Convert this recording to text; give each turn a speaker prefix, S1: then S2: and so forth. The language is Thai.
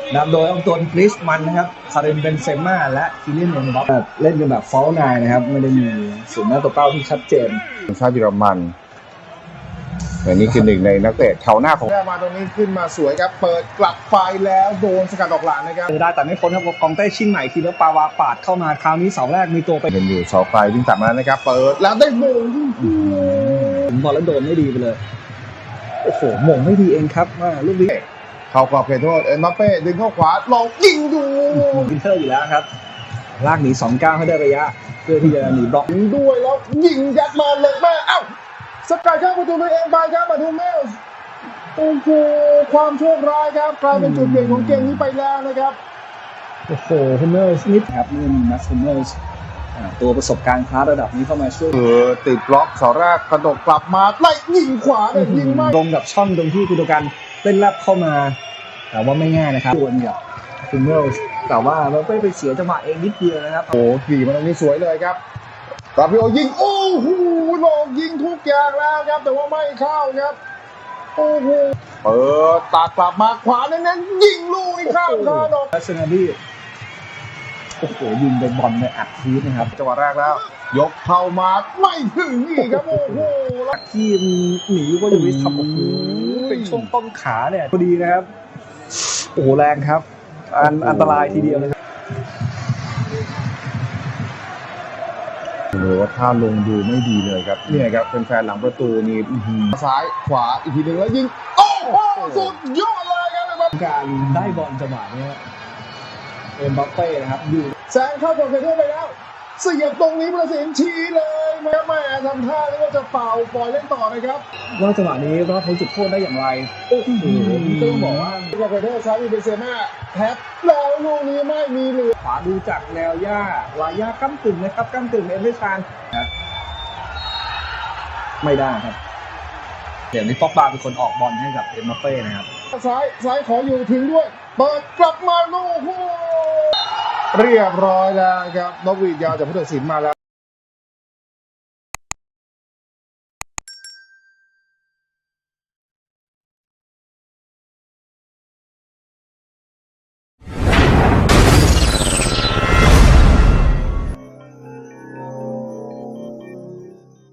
S1: นำโดยองตวนกริชมันนะครับคาริมเบนเซม่าและคิเลียน เอ็มบัปเป้เล่นกันแบบฟอลไนน์นะครับไม่ได้มีศูนย์หน้าตัวเป้าที่ชัดเจน
S2: ทีมชาติเยอรมันแต่นี่คือหนึ่งในนักเตะแถวหน้าของ
S3: มาตรงนี้ขึ้นมาสวยครับเปิดกลับไปแล้วโดนสกัดออกหลังนะครับ
S1: ได้แต่ไม่พ้นครับกองเต้ชิงใหม่ทีแล้วปาวาปาดเข้ามาคราวนี้เสาแรกมีตัวไป
S2: เป็นอยู่เสาไฟวิ่งตัดมาแล้วนะครับเปิด
S3: แล้วได้โมง
S1: ถึงบอลแล้วโดนไม่ดีไปเลยโอ้โหหม่งไม่ดีเองครับว่าลูกนี้
S3: เข้ากรอบเขตโทษเอ็มบัปเป้ดึงเข้าขวาลองยิงดู
S1: วินเทอร์อยู่แล้วครับลากหนี2-9ให้ได้ระยะเพื่อที่จะหนีบล็อก
S3: ด้วยแล้วยิงยัดมาเลยแม่เอ้าสกัดเข้าประตูตัวเองไปครับมาทูเมลส์โอ้โหความโชคร้ายครับกลายเป็นจุดเปลี่ยนของเกมนี้ไปแล้วนะครับ
S1: โอ้โหฮุมเมลส์นิดครับนี่มีนัสฮุมเมลส์ตัวประสบการณ์คลาสระดับนี้เข้ามาช่วย
S3: ติดบล็อกเสาแรกกระโดดกลับมาไล่ยิงขวาเลยยิงมาก
S1: ตรงกับช่องตรงที่กุโดกันเล่นแลบเข้ามาแต่ว่าไม่ง่ายนะครับดวลกับฮุมเมลส์แต่ว่าเราไปเสียจังหวะเองนิดเดียวนะครับ
S3: โอ้ขี่มาตรงนี้สวยเลยครับกราฟิโอยิงโอ้โหหลอกยิงทุกอย่างแล้วครับแต่ว่าไม่เข้าครับโอ้โหเปิดตากลับมาขวาเน้นๆยิงลูกข้ามคานออก
S1: ลักษณะที่โอ้โหยิงเป็นบอลในอัดทีนะครับ
S3: จังหวะแรกแล้วยกเข้ามาไม่ถึงอีกครับโอ้โห
S1: ทีมหนีก็อยู่ที่ทำโอ้โหเป็นช่วงต้นขาเนี่ยพอดีนะครับโอ้โหแรงครับอันตรายทีเดียวนะครับ
S2: หรือว่าท่าลงดูไม่ดีเลยครับเนี่ยครับเป็นแฟนหลังประตูนี่
S3: ซ้ายขวาอีกทีหนึ่งแล้วยิงโอ้โหสุดยอดเลยครับ
S1: การได้บอลจังหวะนี้เอ็มบัปเป้นะครับอยู่
S3: แซงเข้ากรอบเขตโทษไปแล้วเสียบตรงนี้ประสิทธิ์ชี้เลยแม่ทำท่าแล้วก็จะเป่าปล่อยเล่นต่อนะครับ
S1: ว่าจังหวะนี้รอดพ้นจุดโทษได้อย่างไรโอ้โหต้องบอกว่า
S3: กรอบเขตโทษซ้ายมีเบนเซม่าแท็บแล้วลูกนี้ไม่มีเหลือ
S1: ขวาดูจากแนวหญ้าวาย่าก้ำกึ่งนะครับก้ำกึ่งเอ็มไม่ชานนะไม่ได้ครับเดี๋ยวนี้ฟอกบาเป็นคนออกบอลให้กับเอ็มบัปเป้นะครับ
S3: ซ้ายขออยู่ถึงด้วยเปิดกลับมาลูกเรียบร้อยแล้วครับนกหวีดยาวจากผู้ตัดสินมาแล้ว